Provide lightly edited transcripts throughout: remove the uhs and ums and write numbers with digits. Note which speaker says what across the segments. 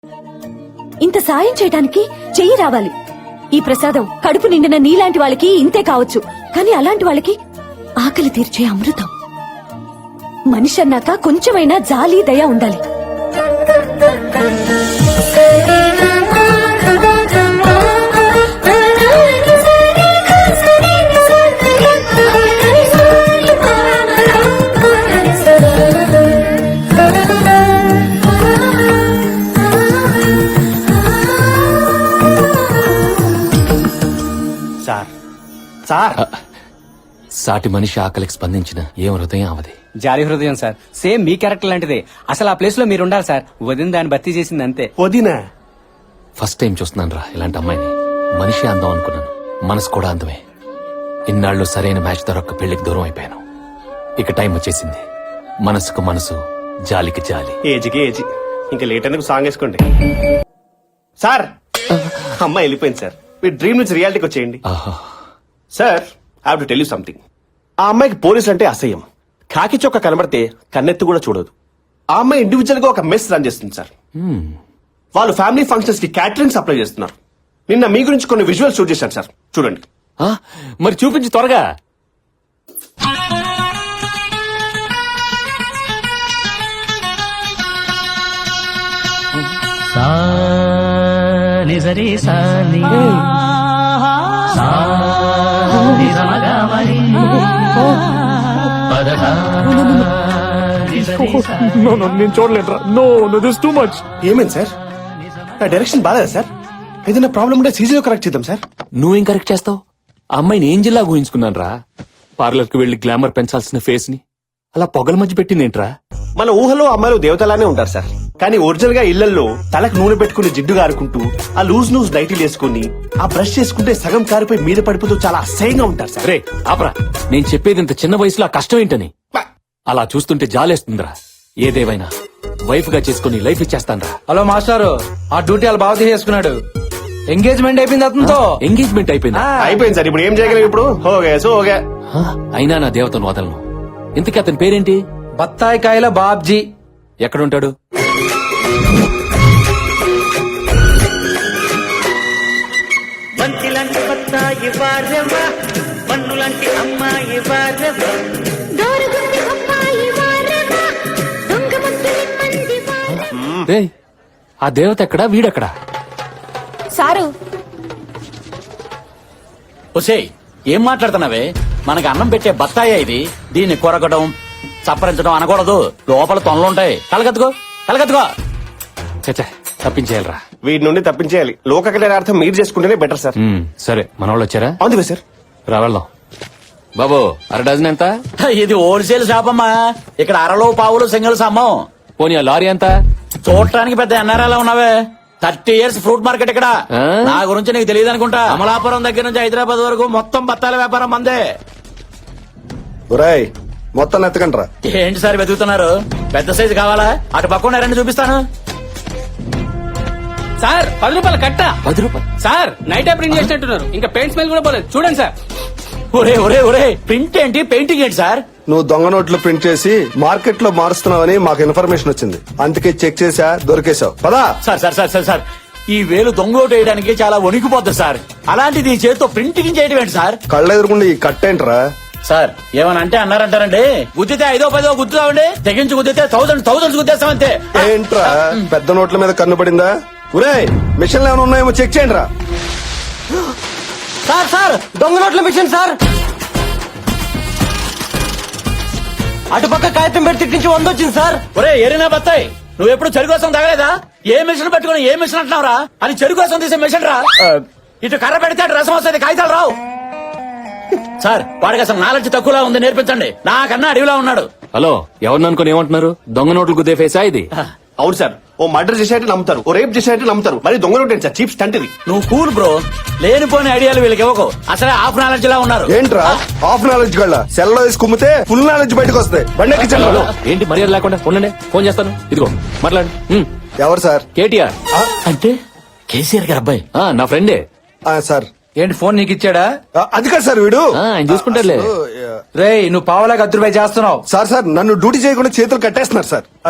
Speaker 1: ఇంత సాయం చేయడానికి చెయ్యి రావాలి. ఈ ప్రసాదం కడుపు నిండిన నీలాంటి వాళ్ళకి ఇంతే కావచ్చు, కానీ అలాంటి వాళ్ళకి ఆకలి తీర్చే అమృతం. మనిషి అన్నాక కొంచెమైనా జాలి దయ ఉండాలి.
Speaker 2: సార్
Speaker 3: సాటి మనిషి ఆకలికి స్పందించిన ఏం హృదయం అవది.
Speaker 2: జాలి హృదయం సార్, సేమ్ మీ క్యారెక్టర్ లాంటిదే. అసలు ఆ ప్లేస్ లో మీరు ఉండాలి సార్. వదిన దాన్ని భర్తీ చేసింది అంతే. వదినా
Speaker 3: ఫస్ట్ టైం చూస్తున్నాను రా ఇలాంటి అమ్మాయిని. మనిషి అందం అనుకున్నాను, మనసు కూడా అందమే. ఇన్నాళ్ళు సరైన మ్యాచ్ దొరక్క పెళ్లికి దూరం అయిపోయాను. ఇక టైం వచ్చేసింది. మనసుకు మనసు, జాలికి జాలి.
Speaker 4: ఏజ్కి ఏజ్. ఇంకా లేట్ ఎందుకు సాంగ్ వేసుకోండి సార్. అమ్మాయి వెళ్ళిపోయింది సార్. మీ డ్రీమ్ నుంచి రియాలిటీకి వచ్చేయండి sir. I have to tell you something. ఆ అమ్మాయికి పోలీస్ అంటే అసహ్యం. కాకి చొక్క కనబడితే కన్నెత్తి కూడా చూడదు. ఆ అమ్మాయి ఇండివిజువల్ గా ఒక మెస్ రన్ చేస్తుంది సార్. వాళ్ళు ఫ్యామిలీ ఫంక్షన్స్ కి క్యాటరింగ్ సప్లై చేస్తున్నారు. నిన్న మీ గురించి కొన్ని విజువల్స్ షూట్ చేశాను సార్, చూడండి.
Speaker 3: మరి చూపించి త్వరగా.
Speaker 4: నేను చూడలేదురా. No no this too much. ఏమైంది సార్? నా డైరెక్షన్ బాగాలేదా సార్? ఏదైనా ప్రాబ్లం ఉంటే సీజీలో కరెక్ట్ చేద్దాం సార్.
Speaker 3: నువ్వేం కరెక్ట్ చేస్తావు? ఆ అమ్మాయిని ఏంజిల్లా ఊహించుకున్నాను రా. పార్లర్ కి వెళ్లి గ్లామర్ పెంచాల్సిన ఫేస్ ని అలా పొగల మధ్య పెట్టిందేంట్రా?
Speaker 4: మన ఊహలో అమ్మాయిలు దేవతలానే ఉంటారు సార్, కానీ ఒరిజినల్ గా ఇళ్లలో తలకు నూనె పెట్టుకుని జిడ్డు గారుకుంటూ ఆ లూజ్ నైటీలు వేసుకుని ఆ బ్రష్ చేసుకుంటే సగం కారిపోయి మీద పడిపోతూ చాలా అసహ్యంగా ఉంటారు సార్.
Speaker 3: రే ఆపరా, నేను చెప్పేది ఇంత చిన్న వయసులో ఆ కష్టం ఏంటని. అలా చూస్తుంటే జాలేస్తుందిరా. ఏదేవైనా వైఫ్ గా చేసుకుని లైఫ్ ఇచ్చేస్తానరా.
Speaker 2: హలో మాస్టారు, ఆ డ్యూటీ వాళ్ళు బాగా చేసుకున్నాడు. ఎంగేజ్మెంట్ అయిపోయింది అతనితో.
Speaker 3: ఎంగేజ్మెంట్ అయిపోయింది.
Speaker 4: అయిపోయింది సార్. ఇప్పుడు ఏం చేయగలం? ఇప్పుడు ఓకే.
Speaker 3: అయినా నా దేవతను వదలను. ఇంతకీ అతని పేరేంటి?
Speaker 2: బత్తాయి కాయల బాబ్జీ.
Speaker 3: ఎక్కడుంటాడు?
Speaker 5: బంతిలాంటి బత్తాయి వారెవ, పన్నులాంటి అమ్మాయి వారెవ,
Speaker 3: రేయ్, ఆ దేవత ఎక్కడా, వీడెక్కడా?
Speaker 1: సారు
Speaker 6: ఒసేయ్, ఏం మాట్లాడుతున్నావే? మనకి అన్నం పెట్టే బత్తాయి ఇది. దీన్ని కొరగడం, చప్పరించడం అనకూడదు. లోపల తొనలుంటాయి. కలగత్తుకో కలగత్తుకో.
Speaker 3: చచ్చా, తప్పించేయాలరా.
Speaker 4: వీటి నుండి తప్పించేయాలి. లోక కళ్యాణార్థం మీరు చేసుకుంటేనే బెటర్ సార్.
Speaker 3: సరే, మన వాళ్ళు వచ్చారా?
Speaker 4: అవును సార్.
Speaker 3: రా వెళ్దాం. బాబు, అర డజన్ ఎంత?
Speaker 6: ఇది హోల్సేల్ షాప్ అమ్మా. ఇక్కడ అరలో పావులు సింగిల్స్ అమ్మం.
Speaker 3: పోనీ ఆ లారీ ఎంత?
Speaker 6: చూడటానికి పెద్ద ఎన్ఆర్ఐలా ఉన్నావే. 30 years ఫ్రూట్ మార్కెట్ ఇక్కడ. నా గురించి నీకు తెలియదు అనుకుంటా. అమలాపురం దగ్గర నుంచి హైదరాబాద్ వరకు మొత్తం బత్తాల వ్యాపారం మందే.
Speaker 4: మొత్తం ఎత్తకండ్రా.
Speaker 6: ఏంటి సార్ వెతుకుతున్నారు? పెద్ద సైజు కావాలా? అటు పక్కన రండి, చూపిస్తాను.
Speaker 2: సార్ 10 రూపాయలు కట్ట.
Speaker 3: 10 రూపాయలు
Speaker 2: సార్, నైట్ ప్రింట్ చేసినట్టున్నారు. ఇంకా పెయింట్ స్మెల్ కూడా పోలేదు. చూడండి సార్.
Speaker 6: ఒరే ఒరే ఒరే, ప్రింట్ ఏంటి, పెయింటింగ్ ఏంటి సార్?
Speaker 7: నువ్వు దొంగ నోట్లు ప్రింట్ చేసి మార్కెట్ లో మారుస్తున్నావని మాకు ఇన్ఫర్మేషన్ వచ్చింది. అందుకే చెక్ చేసా, దొరికేశావు. పదా.
Speaker 6: Sir sir sir sir sir, ఈ వేలు దొంగోటు వేయడానికి చాలా వణికిపోతుంది సార్. అలాంటిది ఈ చేతితో ప్రింటింగ్ చేయడం ఏంటి సార్?
Speaker 7: కళ్ళ ఎదురుకుండా ఈ కట్టేంట్రా?
Speaker 6: సార్, ఏమని అంటే అన్నారంటారండి. గుద్దితే 5ో 10ో గుద్దుతామండి. తెగించి గుద్దితే థౌసండ్స్ గుద్దేస్తామంతే.
Speaker 7: ఏంట్రా పెద్ద నోట్ల మీద కన్ను పడిందా? ఒరే, మిషన్లు ఏమైనా ఉన్నాయేమో చెక్ చేయండి రా.
Speaker 2: సార్ సార్, దొంగ నోట్ల మిషన్ సార్. అటుపక్క కాగితం పెట్టి నుంచి 100 వచ్చింది సార్.
Speaker 6: ఒరే ఎరినా బత్తాయి, నువ్వు ఎప్పుడు చెరు కోసం తగలేదా? ఏ మిషన్ పెట్టుకుని ఏ మిషన్ అంటున్నావురా? అది చెరు కోసం తీసే మిషన్ రా. ఇటు కర్ర పెడితే అటు రసం వస్తుంది, కాగితాలు రావు. సార్, వాడికి అసలు నాలెడ్జ్ తక్కువలా ఉంది, నేర్పించండి. నాకన్నా అడవిలా ఉన్నాడు.
Speaker 3: హలో, ఎవరిని అనుకుని ఏమంటున్నారు? దొంగ నోట్లు గుద్దే ఫేసా ఇది?
Speaker 4: అవును సార్. ఓ మర్డర్ చేసేట్టు నమ్ముతారు, ఓ రేప్ చేసేట్టు నమ్ముతారు. మరి దొంగ నోట్ సార్, చీప్ స్టంట్ ఇది.
Speaker 6: నువ్వు కూల్ బ్రో. లేనిపోని ఐడియాలు వీళ్ళకి ఇవ్వకు. అసలే హాఫ్ నాలెడ్జ్ లా ఉన్నారు.
Speaker 7: ఏంట్రా హాఫ్ నాలెడ్జ్ గళ్ళ? సెల్ లో వేసి కుమ్మితే ఫుల్ నాలెడ్జ్ బయటకు వస్తాయి. బండి ఎక్కించండి.
Speaker 3: ఏంటి మర్యాద లేకుండా? ఉండండి, ఫోన్ చేస్తాను. ఇదిగో మాట్లాడు.
Speaker 7: ఎవరు సార్?
Speaker 3: కేటీఆర్.
Speaker 6: అంటే కేసీఆర్ గారు అబ్బాయి.
Speaker 3: నా ఫ్రెండే
Speaker 7: సార్.
Speaker 2: ఏంటి ఫోన్ నీకు ఇచ్చాడా?
Speaker 7: అది కాదు సార్, వీడు
Speaker 3: ఆయన చూసుకుంటారులే.
Speaker 2: రేయ్, నువ్వు పావలా 10 రూపాయలు చేస్తున్నావు.
Speaker 7: సార్ నన్ను డ్యూటీ చేయకుండా చేతులు కట్టేస్తున్నారు సార్. సార్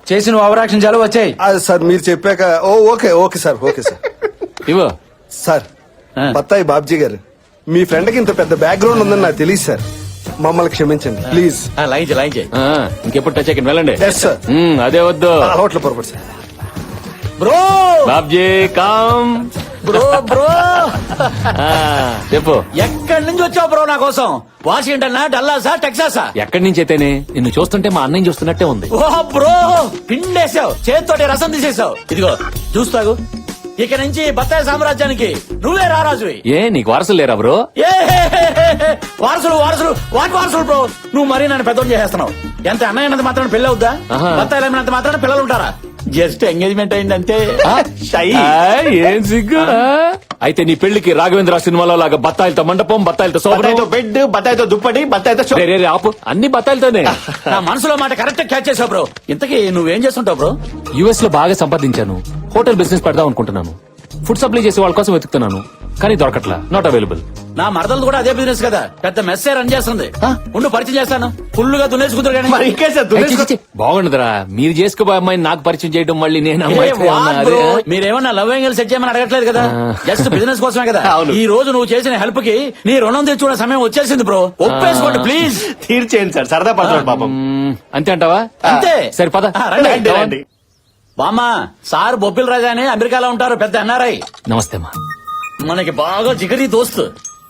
Speaker 8: చేసిన ఓవరాక్షన్ చాలు వచ్చాయి.
Speaker 7: సార్ మీరు చెప్పాక ఓకే సార్
Speaker 3: ఇవో
Speaker 7: సార్
Speaker 6: ఆ.
Speaker 7: బత్తాయి బాబ్జీ గారు మీ ఫ్రెండ్ కి ఇంత పెద్ద బ్యాక్గ్రౌండ్ ఉందని నాకు తెలియదు సార్. మమ్మల్ని క్షమించండి ప్లీజ్.
Speaker 6: లైన్ చేయి
Speaker 3: ఇంకెప్పుడు టచ్ అయ్యి వెళ్ళండి.
Speaker 7: Yes sir.
Speaker 3: అదే వద్దు.
Speaker 7: అలవాట్ల పొరపాటు sir.
Speaker 6: Bro
Speaker 3: Babji calm.
Speaker 6: Bro
Speaker 3: చెప్పు
Speaker 6: ఎక్కడి నుంచి వచ్చావు బ్రో నా కోసం? వాషింగ్టన్ డల్లాసా టెక్సాసా?
Speaker 3: ఎక్కడి నుంచి అయితేనే నిన్ను చూస్తుంటే మా అన్నయ్య చూస్తున్నట్టే ఉంది.
Speaker 6: ఓ బ్రో పిండేసావు, చేతితోటి రసం తీసేసావు. ఇదిగో చూస్తాగు, ఇక నుంచి బత్తాయి సామ్రాజ్యానికి నువ్వే రారాజువి.
Speaker 3: ఏ నీకు వారసులు లేరా బ్రో?
Speaker 6: ఏ వారసులు వాటి వారసులు బ్రో. నువ్వు మరీ నన్ను పెద్దోడు చేసేస్తున్నావు. ఎంత అన్నయ్య అన్నంత మాత్రాన పెళ్లి అవుద్దా?
Speaker 3: ఆహా.
Speaker 6: బత్తాయిలు ఏమైనంత మాత్రాన పిల్లలు ఉంటారా? జస్ట్ ఎంగేజ్మెంట్ అయింది అంతే.
Speaker 3: ఏం సిగ్గు. అయితే నీ పెళ్లికి రాఘవేంద్ర సినిమాలో లాగా బత్తాయిలతో మండపం, బత్తాయిలతో
Speaker 4: బత్తాయితో
Speaker 3: సోపడం.
Speaker 4: బెడ్, బత్తాయితో దుప్పటి, బత్తాయితో
Speaker 3: రే, రే, రే, ఆపు. అన్ని బత్తాయిలతోనే.
Speaker 6: నా మనసులో మాట కరెక్ట్ క్యాచ్ చేసావు బ్రో. ఇంతకీ నువ్వేం చేస్తుంటావు బ్రో?
Speaker 3: యుఎస్ లో బాగా సంపాదించాను. హోటల్ బిజినెస్ పెడదాం అనుకుంటున్నాను. ఫుడ్ సప్లై చేసే వాళ్ళ కోసం వెతుకుతున్నాను, కానీ దొరకట్లా. Not available.
Speaker 6: నా మరదలు కూడా అదే బిజినెస్ కదా, పెద్ద మెస్సే రన్ చేస్తుంది. ఉండు పరిచయం చేస్తాను. ఫుల్ గా దున్నేసుకుంటారు కానీ.
Speaker 4: మరి ఇంకే సార్ దున్నేసుకో-
Speaker 3: బాగుండదురా. మీరు చేసుకోబోయే అమ్మాయిని నాకు పరిచయం చేయడం, మళ్ళీ నేను
Speaker 6: ఏ,
Speaker 3: అమ్మాయితో
Speaker 6: వాట్
Speaker 3: ఏమన్నా
Speaker 6: బ్రో?
Speaker 3: అదే?
Speaker 6: మీరేమన్నా లవ్ యాంగిల్ సెట్ చేయమని అడగట్లేదు కదా, జస్ట్ బిజినెస్ కోసమే కదా.
Speaker 4: అవును.
Speaker 6: ఈ రోజు నువ్వు చేసిన హెల్ప్ కి నీ రుణం తెచ్చుకునే సమయం వచ్చేసింది బ్రో. ఒప్పేసుకోండి ప్లీజ్.
Speaker 4: తీర్చేయండి సార్, సరదా పడతాడు పాపం.
Speaker 3: అంతే అంటావా?
Speaker 6: అంతే.
Speaker 3: సరే పద.
Speaker 6: రండి.
Speaker 4: రండి.
Speaker 6: బామ్మ సార్ బొబ్బిల్ రాజా అని అమెరికాలో ఉంటారు, పెద్ద ఎన్ఆర్ఐ.
Speaker 3: నమస్తే అమ్మా.
Speaker 6: మనకి బాగా జిగరి దోస్తు.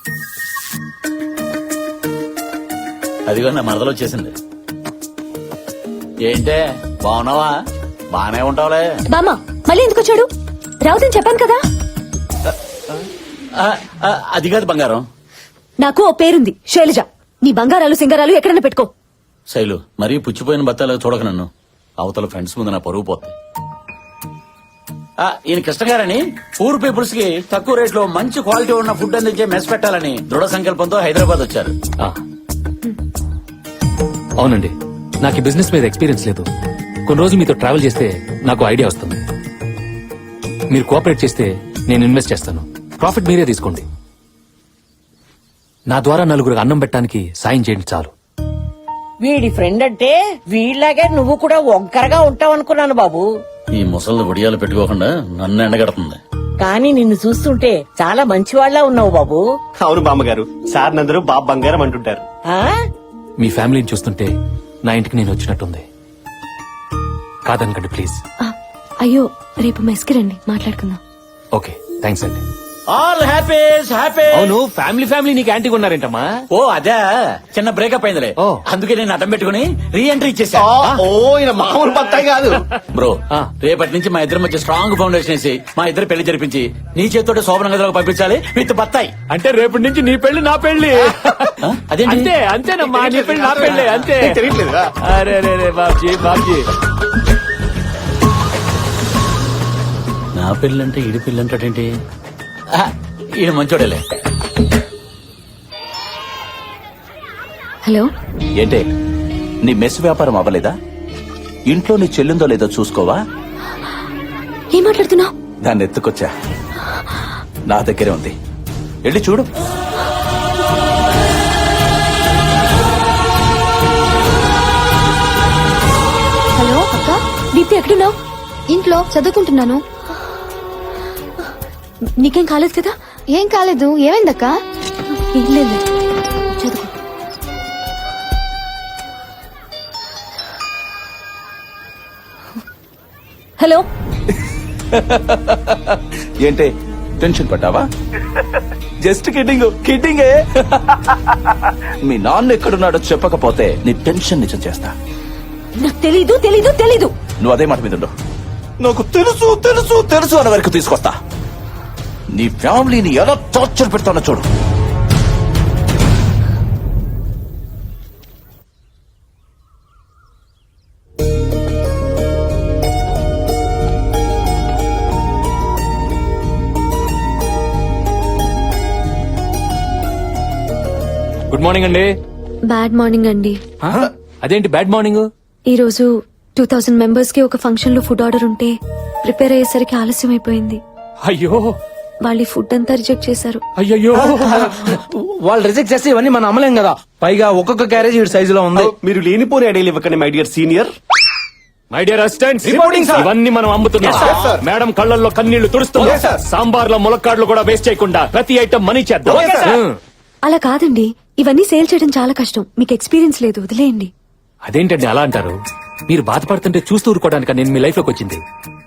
Speaker 6: అదిగో నా మరదలు వచ్చేసింది. ఏంటే బాగున్నావా? బానే ఉంటావులే.
Speaker 1: బామ్మ మళ్ళీ ఎందుకు వచ్చాడు? రావుదని చెప్పాను కదా.
Speaker 6: అది కాదు బంగారం.
Speaker 1: నాకు ఓ పేరుంది, శైలజ. నీ బంగారాలు సింగారాలు ఎక్కడైనా పెట్టుకో.
Speaker 6: శైలు మరీ పుచ్చిపోయిన బత్తాలు చూడక నన్ను. అవతల ఫ్రెండ్స్ ముందు నా పరుగు పోతుంది. ఈయన కృష్ణ గారని పూర్ పీపుల్స్ కి తక్కువ రేట్ లో మంచి క్వాలిటీ ఉన్న ఫుడ్ అందించే మెస్ పెట్టాలని దృఢ సంకల్పంతో హైదరాబాద్ వచ్చారు.
Speaker 3: ఆ. అవునండి, నాకు ఈ బిజినెస్ మీద ఎక్స్పీరియన్స్ లేదు. కొన్ని రోజులు మీతో ట్రావెల్ చేస్తే నాకు ఐడియా వస్తుంది. మీరు కోఆపరేట్ చేస్తే నేను ఇన్వెస్ట్ చేస్తాను. ప్రాఫిట్ మీరే తీసుకోండి. నా ద్వారా నలుగురికి అన్నం పెట్టడానికి సాయం చేయండి చాలు.
Speaker 9: వీడి ఫ్రెండ్ అంటే వీళ్ళలాగే నువ్వు కూడా ఒంకరగా ఉంటావు అనుకున్నాను బాబు.
Speaker 6: ఈ ముసళ్ళు ఒడియాలు పెట్టుకోకుండా నన్ను ఎండగడుతుంది.
Speaker 9: కానీ నిన్ను చూస్తుంటే చాలా మంచివాళ్లా ఉన్నావు బాబు.
Speaker 4: అవును బామ్మగారు, సార్ నందరూ బాబు బంగారం అంటుంటారు.
Speaker 9: ఆ
Speaker 3: మీ ఫ్యామిలీని చూస్తుంటే నా ఇంటికి నేను వచ్చినట్టుంది. కాదనకండి ప్లీజ్.
Speaker 1: అయ్యో రేపు మెస్కి రండి, మాట్లాడుకుందాం.
Speaker 3: ఓకే థ్యాంక్స్ అండి.
Speaker 6: All happies happy.
Speaker 3: అవును, ఫ్యామిలీ నీకు యాంటీ ఉన్నారేంటమ్మా?
Speaker 6: ఓ అదే చిన్న బ్రేకప్ అయిందిలే.
Speaker 3: ఓ.
Speaker 6: అందుకే నేను అడ్డం పెట్టుకుని రీ ఎంట్రీ ఇచ్చేసా.
Speaker 4: ఈయన మామూలు బత్తాయి కాదు.
Speaker 6: బ్రో
Speaker 3: ఆ.
Speaker 6: రేపటి నుంచి మా ఇద్దరి మధ్య స్ట్రాంగ్ ఫౌండేషన్ వేసి మా ఇద్దరు పెళ్లి జరిపించి నీ చేతితో శోభన గదిలోకి పంపించాలి విత్ బత్తాయి.
Speaker 3: అంటే రేపటి నుంచి నీ పెళ్లి నా పెళ్లి.
Speaker 6: అదేంటి?
Speaker 3: అంతే అంతేనమ్మా, నీ పెళ్లి నా పెళ్లి అంతే.
Speaker 4: తెలియట్లేదా?
Speaker 3: అరే రే బాబ్జీ.
Speaker 6: నా పెళ్ళంటే ఈడి పెళ్ళి అంటాడేంటి? ఈయన మంచోడేలే.
Speaker 1: హలో,
Speaker 10: ఏంటే నీ మెస్ వ్యాపారం అవ్వలేదా? ఇంట్లో నీ చెల్లిందో లేదో చూసుకోవా?
Speaker 1: ఏం మాట్లాడుతున్నావు?
Speaker 10: దాన్ని ఎత్తుకొచ్చా, నా దగ్గరే ఉంది, వెళ్ళి చూడు.
Speaker 1: హలో అక్క, దీప్తి ఎక్కడున్నావు?
Speaker 11: ఇంట్లో చదువుకుంటున్నాను.
Speaker 1: నీకేం కాలేదు కదా?
Speaker 11: ఏం కాలేదు. ఏమైందక్క?
Speaker 1: ఏం లేదు, చదువుకో. హలో,
Speaker 10: ఏంటే టెన్షన్ పడ్డావా? జస్ట్ కిడ్డింగే. మీ నాన్న ఎక్కడున్నాడో చెప్పకపోతే నీ టెన్షన్ నిజం చేస్తా.
Speaker 1: నాకు తెలీదు తెలీదు తెలీదు.
Speaker 10: నువ్వు అదే మాట మీద ఉండు. నాకు తెలుసు తెలుసు తెలుసు అన్న వరకు తీసుకొస్తా. నీ ఫ్యామిలీని ఎలా టార్చర్ పెడతానో చూడు.
Speaker 3: గుడ్ మార్నింగ్ అండి.
Speaker 1: బ్యాడ్ మార్నింగ్ అండి.
Speaker 3: అదేంటి బ్యాడ్ మార్నింగ్?
Speaker 1: ఈ రోజు 2000 మెంబర్స్ కి ఒక ఫంక్షన్ లో ఫుడ్ ఆర్డర్ ఉంటే ప్రిపేర్ అయ్యేసరికి ఆలస్యం అయిపోయింది.
Speaker 3: అయ్యో
Speaker 1: వాళ్ళు ఈ ఫుడ్ అంతా రిజెక్ట్ చేశారు.
Speaker 3: అయ్యో.
Speaker 8: వాళ్ళు రిజెక్ట్ చేస్తే ఇవన్నీ మనం అమ్మలేం కదా. పైగా ఒక్కొక్క క్యారేజ్ ఈ సైజులో ఉంది.
Speaker 4: మీరు లేనిపోని ఐడియాలు ఇవ్వకండి my dear senior.
Speaker 3: My dear assistant
Speaker 7: Reporting, sir.
Speaker 3: ఇవన్నీ మనం అమ్ముతున్నాం
Speaker 7: Yes, sir.
Speaker 3: మేడం కళ్ళల్లో కన్నీళ్లు తుడుస్తున్నాం
Speaker 7: Yes, sir.
Speaker 3: సాంబార్లో ములక్కాడ్లు కూడా వేస్ట్ చేయకుండా ప్రతి ఐటమ్ మనీ చేద్దాం
Speaker 7: Okay, sir.
Speaker 1: అలా కాదండి, ఇవన్నీ సేల్ చేయడం చాలా కష్టం. మీకు ఎక్స్పీరియన్స్ లేదు, వదిలేయండి.
Speaker 3: అదేంటండి అలా అంటారు? మీరు బాధపడుతుంటే చూస్తూ ఊరుకోవడానికి నేను మీ లైఫ్ లోకి వచ్చింది.